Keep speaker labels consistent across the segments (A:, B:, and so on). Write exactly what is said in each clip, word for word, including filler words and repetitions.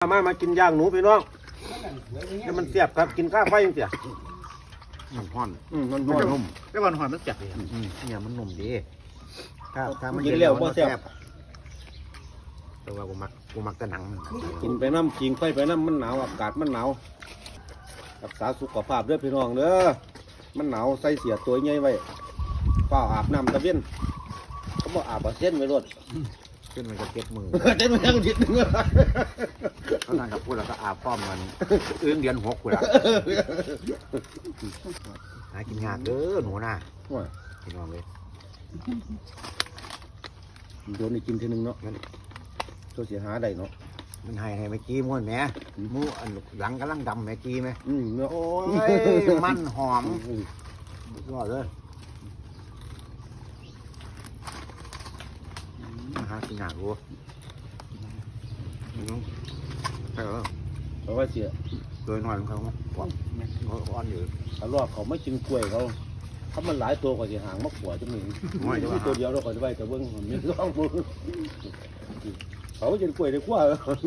A: มามากินย่างหนูพี่น้องแล้วมันเสียบครับกินข้าวไฟยังเสีย
B: มันห่อน
A: อืมมัน
B: มัน
A: นุ่ม
B: นุ่มแต่มันห่อนมันจับเลยเนี่ยมันนุ่มดีถ้าถ้ามัน
A: กินแล้วบ่แซ่บ
B: แต่ว่ากูมักกูมักแต่หนัง
A: กินไปน้ำกินไฟไปน้ำมันหนาวอากาศมันหนาวรักษาสุขภาพเด้อพี่น้องเด้อมันหนาวใส่เสียตัวใหญ่ไว้เปล่าอาบน้ำตะเวียนเขาบอกอาบเอาเส้นไว้รถ
B: ขึ้นมันก็เก็บมือ
A: เส้นไว้ทั้งทิศหนึ่ง
B: เขาทานกับพูดแล้วก็อาบป้อมมันอื้งเดือนหกกูละหากินยากเด้อหนูน่ะพี่น้องเลย
A: โดนอีกกินทีนึงเนาะตัวเสียหาได้เนาะ
B: มันให้ให้แม่กี้ม้วนแหม่มูอันหลังกำลังดำแม่กี้ไหม
A: อืมเนาะ
B: โอ้ยมันหอมยอดเลยหากินยากรู้ใช่เหรอ
A: เพราะว่าเสีย
B: โดยน้อยของเขากว่าเขาอ่อนอยู่
A: ถ้ารอบเขาไม่กินกล้วยเขาเขามันหลายตัวกว่าจะหางมะขวดจะมีมีตัวเดียวเราก็จะไปแต่เบิ้งมีสองมือเขากินกล้วยได้กว่า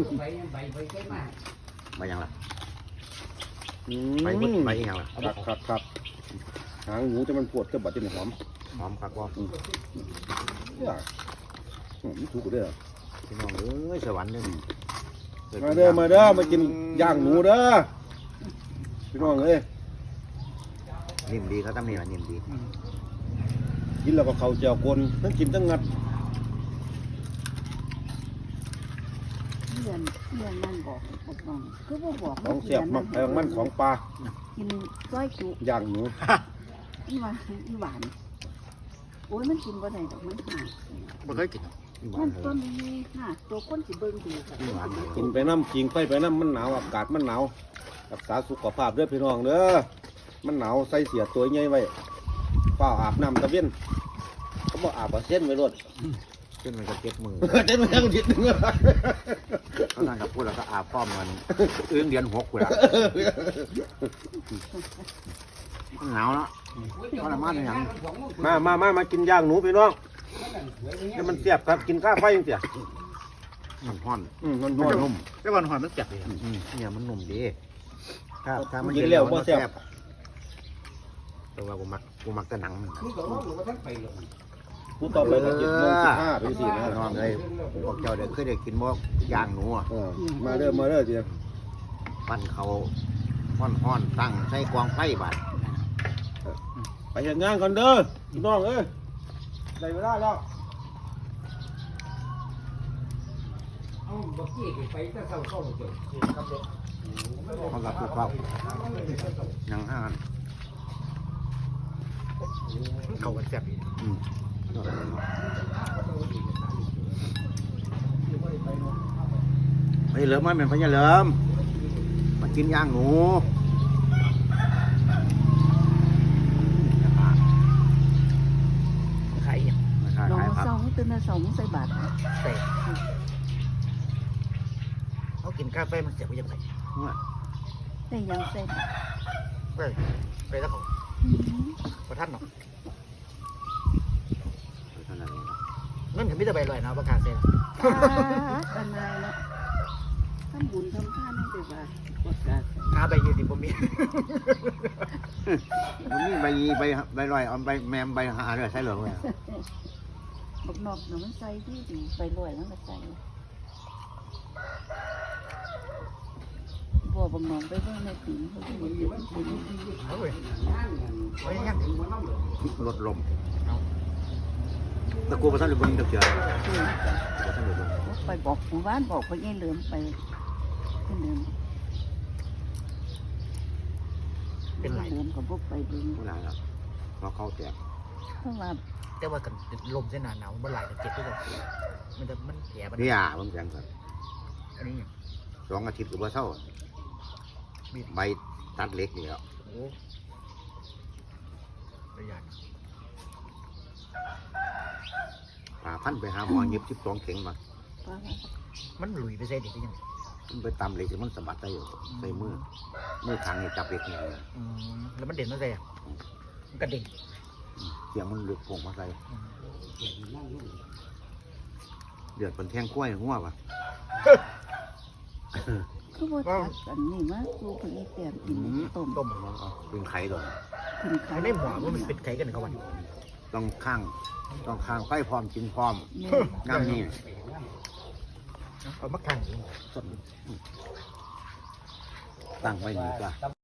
B: ไปยังล่ะ
A: อื
B: ไป
A: ม
B: ไปยังล่ะ
A: ครับครับครับหางหมูจะมันปวดจะบัดจะหอม
B: หอมคักว่า
A: เนี่ยมันถูกเด้อ
B: พี่น้องเอ้ยสวรรค์เนี่ย
A: มาเด้อมาเด้อมากินย่างหนูเด้อพี่น้องเอ้ย
B: นิ่มดีเขาตั้งนี่ละนิ่มดี
A: กินแล้วก็เขาเจียวกลทั้งกินทั้งงัด
C: เรียนเรียนนั่นบอกบอกน้องคือบ่บอก
A: ของเสียบมักแพงมันของปลา
C: กินก้อยจุ
A: ย่างหนู
C: อีหวานอีหวานโอ้ยมันกินบ่ได้ดอกมันห่า
B: ไม่เคยกิน
C: มันต้นนี้ห่าตัวคนสิเบิ่งดูค่ะ
B: หวาน
A: กินไปน้ำกินไฟไปน้ำมันหนาวอากาศมันหนาวรักษาสุขภาพเด้อพี่น้องเด้อมันหนาวใส่เสียตัวใหญ่ไว้เปล่าอาบน้ำตะเวียนเขาบอกอาบเอาเส้นไว้รถ
B: ขึ้นมันก็เก็บมือ
A: เส้นไว้ทั้งทิศหนึ่ง
B: เขาทานกับพูดแล้วก็อาบป้อมมันอื้งเดือนหกกูละมันหนาวแล้วทรมานอย่าง
A: มามามามากินย่างหนูพี่น้องแล้วมันเสียบครับกินข้าวไฟยังเสีย
B: มันห่อน
A: อืมมัน
B: มัน
A: นุ่
B: นุ่
A: ม
B: มแต่มันห่อนมันจับเลยเนี่ยมันนุ่มดีถ้าถ้ามัน
A: กินแล้วบ่แซ่บ
B: แต่ว่ากูมักกูมักแต่หนัง
A: ผู้ต่อไปก็เจ็ดโมงสิบห้าไปสี่นะ
B: นอนเลยพวกเจ้าเด็กเคยได้กินบ่ย่างหนูอ่ะ
A: เออมาเด้อมาเด้อเจีย
B: ปั้นเขาห่อนห่อนตั้งใส่กองไฟบาด
A: ไปเห็นงานก่อนเด้อพี่น้องเอ้ยได้เวลาแล้ว
D: เอาบักกี้ไปแต่เศร้าเข้าเจอ
B: เขารับผู้เข้ายังห้ากันเขากันแซ่บอืมไปเหลิมมาเป็นพญาเหลิมมากินย่างหนู
D: ขายอย่าง
B: มาขาย
C: น้อง
B: ขาย
C: มา
B: ผัก
C: เศร้าตื่นมาเศร้าใส่บาตร
D: เตะเขากินกาแฟมันเสียไปยังไง
C: ได้ยังใส่บาตร
D: ไปไปแล้วเขาประทัดเนาะ
B: เท่านั้นเองครับ
D: นั่นถึงมิตรใบลอยนะประกาศเซ็น
C: กันนายเนาะทำบุญทำทานให้ไปบาตรกดกา
D: หาใบยี่สิบผมมี
B: มันมีใบใบใบลอยเอาใบแมมใบหาด้วยใช่เหรอเว้ย
C: บักนอกเนาะมันใส่ที่ดีไปลอยแล้วก็ใส่บ่บักนอกไปเบิ่งในถุงเขาสิมีอยู่ถุง
D: เอาเว้ยเอาอย่างงั้น
B: ลดลมตะกูประทันหรือบนตะเกียบประทันหรือบน
C: ไปบอกหมู่บ้านบอกไปยัยเหลือมไปขึ้นเหลือม
D: เป็นไร
C: เหลือมกับพวกไปเบิ่ง
B: ผู้หลานครับเพราะเขาแตก
C: เพราะว่า
D: แต่ว่ากันลมเส้นหนาหนาวมันไหลกันเจ็บด้วยกันมันจะมันแผลมัน
B: นี่อ่ะผมแจ้งครับ
D: อันนี้
B: สองอาทิตย์กับว่าเศร้าใบตัดเล็กนี่แล้ว
D: โอ้ประหยัด
B: ป่าพันไปหาหมอเย็บสิบสองเข็งมา
C: ป้า
D: มันหลุยไปใส่เด็กยัง
B: มันไปตำเหล็กที่มันสะบัดได้อยู่ใส่มือมือทางนี่จับเหล็กนี่เลย
D: อืมแล้วมันเด่นมาใส่มันกระเด็น
B: เสียงมันหลุดโผงมาใส่เดือดเป็นแท่งกล้วยหัวปะ
C: คือว่าตัดอันนี้มาสู่พญาแต้มกินต้ม
D: ต้ม
B: เป็นไข่ก่อน
C: กินข้า
D: ไอ้
C: ว
D: ในหมอว่ามันเป็นไข่กันเขาวัน
B: ต้องข้างต้องข้างไฟพร้อมกินพร้อม
C: แม่
B: น้ำนี่
D: เอามาขัง
B: ตั้งไว้นี่จ้ะ